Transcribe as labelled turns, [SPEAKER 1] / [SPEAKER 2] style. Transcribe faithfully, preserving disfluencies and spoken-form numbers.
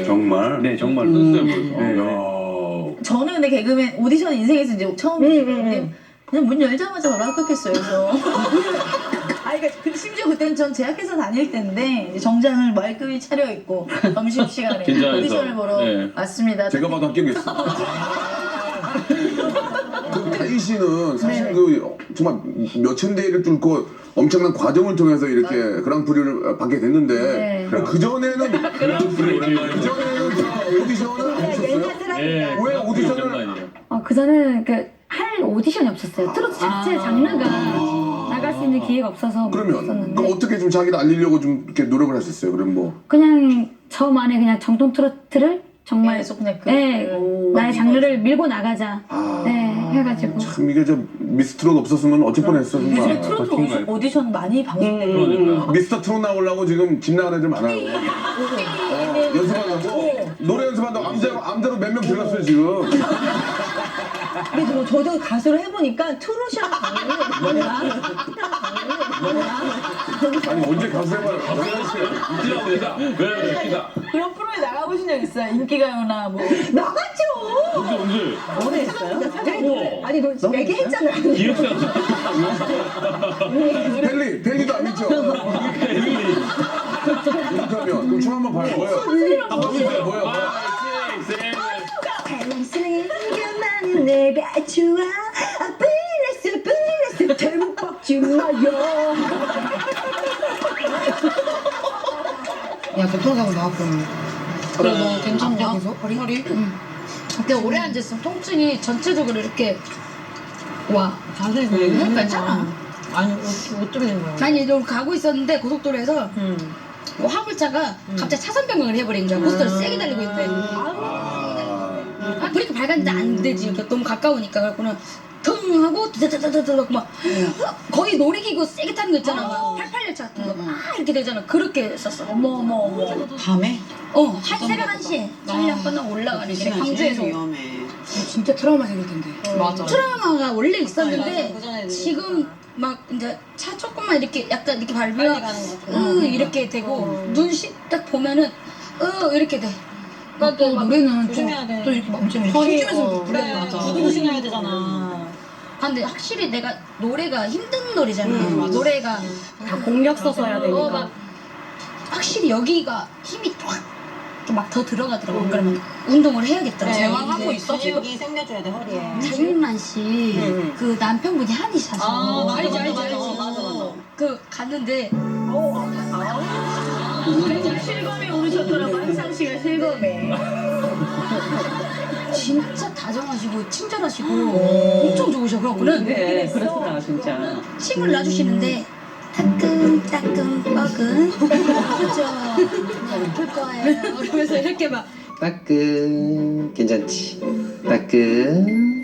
[SPEAKER 1] 정말?
[SPEAKER 2] 네, 정말
[SPEAKER 1] 음.
[SPEAKER 2] 떴어요. 그래서.
[SPEAKER 1] 네.
[SPEAKER 2] 야.
[SPEAKER 3] 저는 근데 개그맨 오디션 인생에서 이제 처음인데 그냥 문 열자마자 바로 합격했어요. 그래서 아, 그러니까 그- 심지어 그때는 전 제약회사 다닐 때인데 이제 정장을 말끔히 차려입고 점심 시간에
[SPEAKER 2] 긴장해서.
[SPEAKER 3] 오디션을 보러
[SPEAKER 2] 네.
[SPEAKER 3] 왔습니다.
[SPEAKER 1] 제가 봐도 합격했어. 그 다희 씨는 사실
[SPEAKER 3] 네.
[SPEAKER 1] 그 정말 몇천 대를 뚫고 엄청난 과정을 통해서 이렇게 그랑프리를 받게 됐는데
[SPEAKER 3] 네.
[SPEAKER 1] 그 전에는
[SPEAKER 2] 그랑프리
[SPEAKER 1] 그 전에는 저 오디션을 안 했었어요?
[SPEAKER 2] 예.
[SPEAKER 1] 왜 오디션을-
[SPEAKER 2] 장난 아니에요.
[SPEAKER 4] 어, 그전에는 그 할 오디션이 없었어요. 트로트 자체 장르가 나갈 수 있는 기회가 없어서 못
[SPEAKER 1] 그러면
[SPEAKER 4] 했었는데
[SPEAKER 1] 그럼 어떻게 좀 자기를 알리려고 좀 이렇게 노력을 하셨어요? 그럼 뭐
[SPEAKER 4] 그냥 저만의 그냥 정통 트로트를 정말
[SPEAKER 3] 계속 그냥 그
[SPEAKER 4] 네,
[SPEAKER 3] 오,
[SPEAKER 4] 나의 장르를 밀고 나가자
[SPEAKER 1] 아.
[SPEAKER 4] 네, 해가지고
[SPEAKER 1] 참 이게 저 미스트롯 없었으면 어쩔 뻔했어
[SPEAKER 3] 요즘에
[SPEAKER 1] 정말.
[SPEAKER 3] 트로트
[SPEAKER 2] 버틴
[SPEAKER 3] 오디-
[SPEAKER 2] 거예요.
[SPEAKER 3] 오디션 많이 방송되고
[SPEAKER 2] 그러니까요.
[SPEAKER 1] 미스터 트롯 나오려고 지금 집 나가는 애들 많아요. 어, 연습한다고 노래 연습한다고 암자로 암자로 몇 명 들어갔어요 지금.
[SPEAKER 3] 근데 저, 저도 가수를 해보니까 트롯이랑 강렬이 뭐야?
[SPEAKER 1] 아니 언제 가수 해봐요?
[SPEAKER 2] 웃기다 웃기다. 왜 웃기다.
[SPEAKER 3] 그런 프로에 나가보신 적 있어요? 인기가요나 뭐 나갔죠!
[SPEAKER 2] 언제 언제?
[SPEAKER 3] 오래 했어요?
[SPEAKER 2] 우와.
[SPEAKER 3] 아니 너 얘기했잖아.
[SPEAKER 2] 기획사.
[SPEAKER 1] 펠리 펠리도 안 믿죠? 그러면 그럼 춤 한번 봐요. 뭐예요? 뭐예요? 뭐예요? 뭐예요?
[SPEAKER 3] 사랑스러운 것만은 내가 좋아 아 불렀어 불렀어 잘못 박지 마요.
[SPEAKER 5] 야 교통사고 나왔군.
[SPEAKER 6] 그래 너 괜찮냐?
[SPEAKER 5] 계속?
[SPEAKER 6] 허리? 허리? 응. 근데 오래 앉았으면 통증이 전체적으로 이렇게 와.
[SPEAKER 5] 자세히
[SPEAKER 6] 응,
[SPEAKER 5] 얘기해.
[SPEAKER 6] 괜찮아.
[SPEAKER 5] 아니 어- 어쩌는 거야?
[SPEAKER 6] 아니 너 가고 있었는데 고속도로에서 뭐 화물차가 갑자기 차선 변경을 해버린 거야. 고속도로 세게 달리고 있는데. 아, 브레이크 밟았는데 안 되지. 그러니까 너무 가까우니까. 그래갖고는 腾하고 드드드드드 막 거의 놀이기구 세게 타는 거 있잖아. 막 팔팔 열차 같은 거 막 이렇게 되잖아. 그렇게 했었어.
[SPEAKER 3] 어머 어머 어머.
[SPEAKER 5] 밤에?
[SPEAKER 6] 어, 한 새벽 한 시에 촬영 끝나고 올라가는 게 광주에서
[SPEAKER 5] 위험해.
[SPEAKER 6] 진짜 트라우마 생길 텐데.
[SPEAKER 5] 맞아.
[SPEAKER 6] 트라우마가 원래
[SPEAKER 5] 맞아,
[SPEAKER 6] 있었는데
[SPEAKER 5] 그전에도
[SPEAKER 6] 지금 막 이제 차 조금만 이렇게 약간 이렇게 밟으면
[SPEAKER 5] 가는 거.
[SPEAKER 6] 으 이렇게 되고 눈시 딱 보면은 으 이렇게 돼.
[SPEAKER 5] 또
[SPEAKER 6] 또 노래는
[SPEAKER 5] 조심해야
[SPEAKER 6] 또,
[SPEAKER 5] 돼.
[SPEAKER 6] 또 이렇게 막 엄청
[SPEAKER 5] 허리
[SPEAKER 6] 힘주면서
[SPEAKER 5] 어,
[SPEAKER 6] 불러야
[SPEAKER 5] 그래.
[SPEAKER 6] 맞아.
[SPEAKER 5] 구두 조심해야 되잖아.
[SPEAKER 6] 아, 근데 확실히 내가 노래가 힘든 노래잖아.
[SPEAKER 5] 음, 맞아.
[SPEAKER 6] 노래가
[SPEAKER 4] 다 공력 써서 해야 되니까
[SPEAKER 6] 어, 막 확실히 여기가 힘이 막 더 들어가더라고. 그러면 운동을 해야겠다.
[SPEAKER 5] 제왕하고 있어 지금? 여기 생겨줘야 돼 허리에.
[SPEAKER 6] 장윤란 씨,
[SPEAKER 5] 응.
[SPEAKER 6] 그 남편분이 한의사죠.
[SPEAKER 5] 아, 맞아,
[SPEAKER 6] 알지,
[SPEAKER 5] 맞아,
[SPEAKER 6] 알지,
[SPEAKER 5] 맞아,
[SPEAKER 6] 알지.
[SPEAKER 5] 맞아, 맞아.
[SPEAKER 6] 그 갔는데
[SPEAKER 3] 실검에 오르셨더라고 한상 씨가 실검에.
[SPEAKER 6] 진짜 다정하시고 친절하시고 엄청 좋으셔. 그래갖고는
[SPEAKER 7] 네, 그렇구나 진짜.
[SPEAKER 6] 침을 놔주시는데 따끔 따끔 뻐근 그죠? 아플 거예요. 그러면서 이렇게 막
[SPEAKER 8] 따끔 괜찮지? 따끔